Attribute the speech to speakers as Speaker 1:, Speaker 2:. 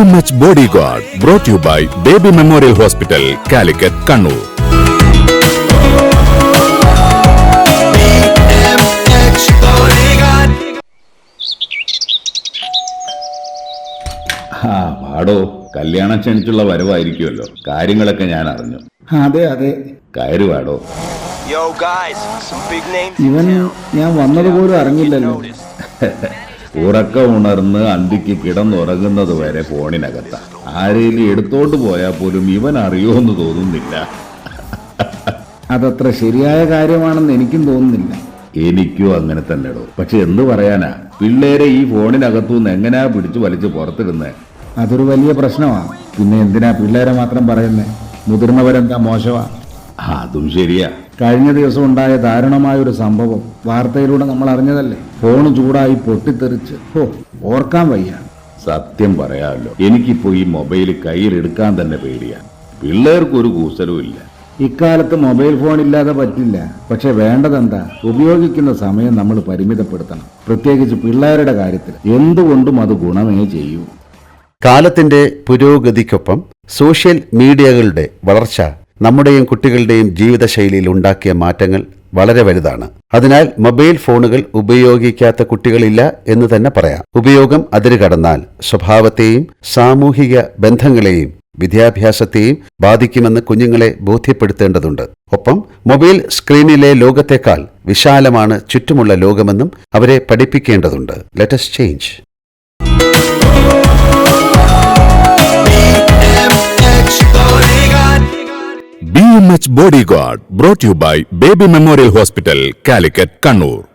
Speaker 1: BMH Bodyguard brought to you by Baby Memorial Hospital, Calicut, Kannur.
Speaker 2: BMH Bodyguard.
Speaker 3: പാടോ കല്യാണം ക്ഷണിച്ചുള്ള വരവായിരിക്കുമല്ലോ. കാര്യങ്ങളൊക്കെ ഞാൻ അറിഞ്ഞു.
Speaker 4: അതെ അതെ,
Speaker 3: കയറി പാടോ.
Speaker 2: Yo guys, some big names.
Speaker 4: ഇവൻ ഞാൻ വന്നതുപോലും അറിഞ്ഞില്ലല്ലോ.
Speaker 3: ഉറക്കം ഉണർന്ന് അന്തിക്ക് കിടന്നുറങ്ങുന്നത് വരെ ഫോണിനകത്ത. ആരെയും എടുത്തോണ്ട് പോയാൽ പോലും ഇവൻ അറിയുമെന്ന് തോന്നുന്നില്ല.
Speaker 4: അതത്ര ശരിയായ കാര്യമാണെന്ന് എനിക്കും തോന്നുന്നില്ല.
Speaker 3: എനിക്കും അങ്ങനെ തന്നെടോ. പക്ഷെ എന്ത് പറയാനാ, പിള്ളേരെ ഈ ഫോണിനകത്തുനിന്ന് എങ്ങനെയാ പിടിച്ചു വലിച്ച് പുറത്തിടുന്നേ?
Speaker 4: അതൊരു വലിയ പ്രശ്നമാണ്. പിന്നെ എന്തിനാ പിള്ളേരെ മാത്രം പറയുന്നേ? മുതിർന്നവരെന്താ മോശമാ?
Speaker 3: അതും ശരിയാ.
Speaker 4: കഴിഞ്ഞ ദിവസം ഉണ്ടായ ദാരുണമായ ഒരു സംഭവം വാർത്തയിലൂടെ നമ്മൾ അറിഞ്ഞതല്ലേ. ഫോൺ ചൂടായി പൊട്ടിത്തെറിച്ച് ഓർക്കാൻ വയ്യ.
Speaker 3: സത്യം പറയാമല്ലോ, എനിക്കിപ്പോ ഈ മൊബൈൽ കയ്യിലെടുക്കാൻ തന്നെ പേടിയാ. പിള്ളേർക്കൊരു കൂസലും ഇല്ല.
Speaker 4: ഇക്കാലത്ത് മൊബൈൽ ഫോൺ ഇല്ലാതെ പറ്റില്ല. പക്ഷെ വേണ്ടതെന്താ, ഉപയോഗിക്കുന്ന സമയം നമ്മൾ പരിമിതപ്പെടുത്തണം. പ്രത്യേകിച്ച് പിള്ളേരുടെ കാര്യത്തിൽ എന്തുകൊണ്ടും അത് ഗുണമേ ചെയ്യൂ.
Speaker 5: കാലത്തിന്റെ പുരോഗതിക്കൊപ്പം സോഷ്യൽ മീഡിയകളുടെ വളർച്ച നമ്മുടെയും കുട്ടികളുടെയും ജീവിതശൈലിയിൽ ഉണ്ടാക്കിയ മാറ്റങ്ങൾ വളരെ വലുതാണ്. അതിനാൽ മൊബൈൽ ഫോണുകൾ ഉപയോഗിക്കാത്ത കുട്ടികളില്ല എന്ന് തന്നെ പറയാം. ഉപയോഗം അതിര് കടന്നാൽ സ്വഭാവത്തെയും സാമൂഹിക ബന്ധങ്ങളെയും വിദ്യാഭ്യാസത്തെയും ബാധിക്കുമെന്ന് കുഞ്ഞുങ്ങളെ ബോധ്യപ്പെടുത്തേണ്ടതുണ്ട്. ഒപ്പം മൊബൈൽ സ്ക്രീനിലെ ലോകത്തേക്കാൾ വിശാലമാണ് ചുറ്റുമുള്ള ലോകമെന്നും അവരെ പഠിപ്പിക്കേണ്ടതുണ്ട്. Let us change.
Speaker 1: BMH Bodyguard brought to you by Baby Memorial Hospital, Calicut, Kannur.